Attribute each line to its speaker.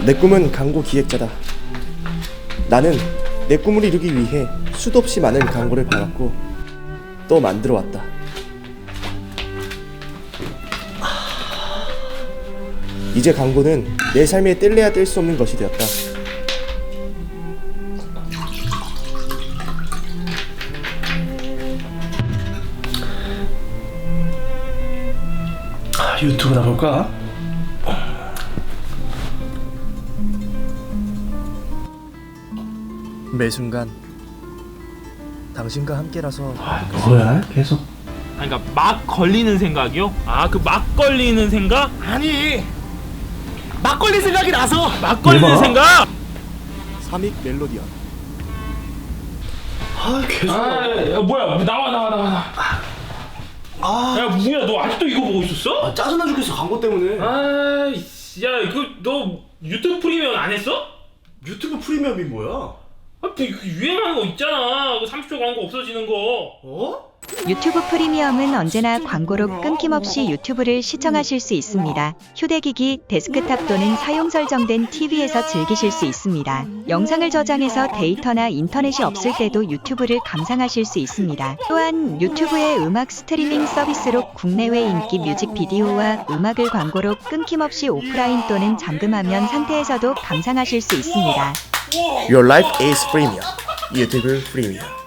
Speaker 1: 내 꿈은 광고 기획자다. 나는 내 꿈을 이루기 위해 수도 없이 많은 광고를 봐왔고 또 만들어 왔다. 이제 광고는 내 삶에 뗄래야 뗄 수 없는 것이 되었다.
Speaker 2: 유튜브나 볼까?
Speaker 1: 매 순간 당신과 함께라서
Speaker 2: 뭐야 계속.
Speaker 3: 그러니까 막 걸리는 생각이요? 아, 그 막 걸리는 생각?
Speaker 2: 아니 막걸리 생각이 나서.
Speaker 3: 막 걸리는
Speaker 2: 대박.
Speaker 3: 생각?
Speaker 1: 삼익 멜로디언.
Speaker 2: 계속.
Speaker 3: 야, 뭐야? 나와. 야, 뭐야? 너 아직도 이거 보고 있었어?
Speaker 2: 짜증나 죽겠어 광고 때문에.
Speaker 3: 아이씨, 야, 너 유튜브 프리미엄 안 했어?
Speaker 2: 유튜브 프리미엄이 뭐야?
Speaker 3: 그 유행하는 거 있잖아. 그 30초 광고 없어지는 거.
Speaker 2: 어?
Speaker 4: 유튜브 프리미엄은 언제나 광고로 끊김없이 유튜브를 시청하실 수 있습니다. 휴대기기, 데스크탑 또는 사용 설정된 TV에서 즐기실 수 있습니다. 영상을 저장해서 데이터나 인터넷이 없을 때도 유튜브를 감상하실 수 있습니다. 또한 유튜브의 음악 스트리밍 서비스로 국내외 인기 뮤직비디오와 음악을 광고로 끊김없이 오프라인 또는 잠금화면 상태에서도 감상하실 수 있습니다.
Speaker 1: Your life is premium. 유튜브 프리미엄.